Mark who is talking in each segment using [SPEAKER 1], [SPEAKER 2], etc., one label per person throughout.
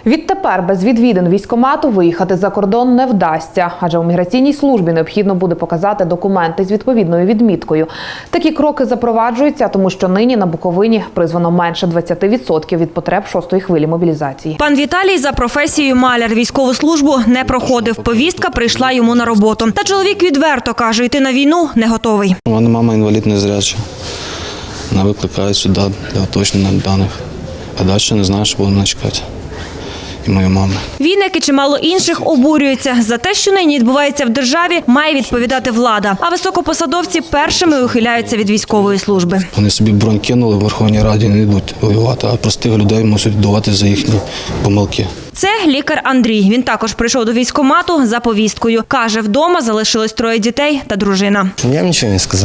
[SPEAKER 1] Відтепер без відвідин військкомату виїхати за кордон не вдасться, адже у міграційній службі необхідно буде показати документи з відповідною відміткою. Такі кроки запроваджуються, тому що нині на Буковині призвано менше 20% від потреб шостої хвилі мобілізації.
[SPEAKER 2] Пан Віталій за професією маляр, військову службу не проходив. Повістка прийшла йому на роботу. Та чоловік відверто каже, йти на війну не готовий.
[SPEAKER 3] У мене мама інвалід незряча. Вона викликає сюди для уточнення даних. А далі не знаю, що будемо чекати. І моя мама.
[SPEAKER 2] Він, як і чимало інших, обурюється. За те, що нині відбувається в державі, має відповідати влада. А високопосадовці першими ухиляються від військової служби.
[SPEAKER 3] Вони собі бронь кинули, в Верховній Раді не йдуть воювати, а простих людей мусять віддавати за їхні помилки.
[SPEAKER 2] Це лікар Андрій. Він також прийшов до військкомату за повісткою. Каже, вдома залишилось 3 дітей та дружина.
[SPEAKER 4] Я їм нічого не сказав.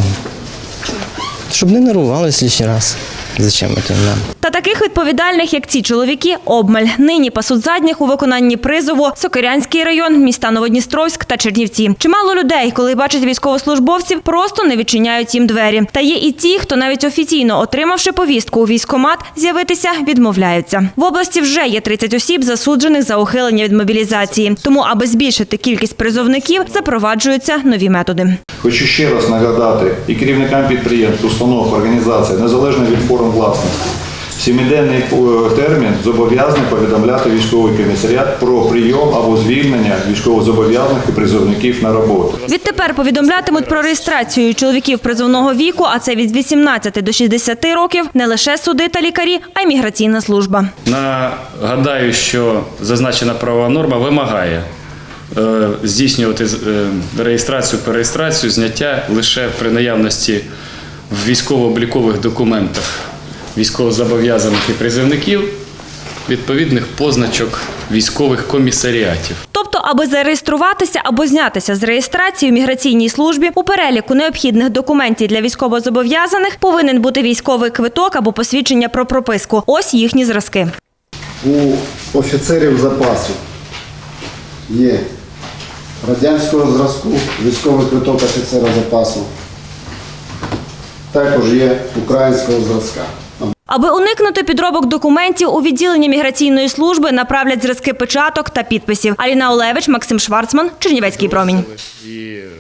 [SPEAKER 4] Щоб не нервувалися лишній раз. Зачем це нам?
[SPEAKER 2] Та таких відповідальних, як ці чоловіки, обмаль. Нині пасуть задніх у виконанні призову Сокирянський район, міста Новодністровськ та Чернівці. Чимало людей, коли бачать військовослужбовців, просто не відчиняють їм двері. Та є і ті, хто навіть офіційно отримавши повістку у військкомат, з'явитися відмовляються. В області вже є 30 осіб, засуджених за ухилення від мобілізації. Тому, аби збільшити кількість призовників, запроваджуються нові методи.
[SPEAKER 5] Хочу ще раз нагадати і керівникам підприємств, установ, організацій, незалежно від форм власності, 7-денний термін зобов'язаний повідомляти військовий комісаріат про прийом або звільнення військовозобов'язаних і призовників на роботу.
[SPEAKER 2] Відтепер повідомлятимуть про реєстрацію чоловіків призовного віку, а це від 18 до 60 років, не лише суди та лікарі, а й міграційна служба.
[SPEAKER 6] Нагадаю, що зазначена правова норма вимагає здійснювати реєстрацію, перереєстрацію, зняття лише при наявності в військово-облікових документах військовозобов'язаних і призовників відповідних позначок військових комісаріатів.
[SPEAKER 2] Тобто, аби зареєструватися або знятися з реєстрації у міграційній службі, у переліку необхідних документів для військовозобов'язаних повинен бути військовий квиток або посвідчення про прописку. Ось їхні зразки.
[SPEAKER 7] У офіцерів запасу є радянського зразку, військовий квиток офіцера запасу. Також є українського зразка.
[SPEAKER 2] Аби уникнути підробок документів, у відділення міграційної служби направлять зразки печаток та підписів. Аліна Олевич, Максим Шварцман, Чернівецький промінь.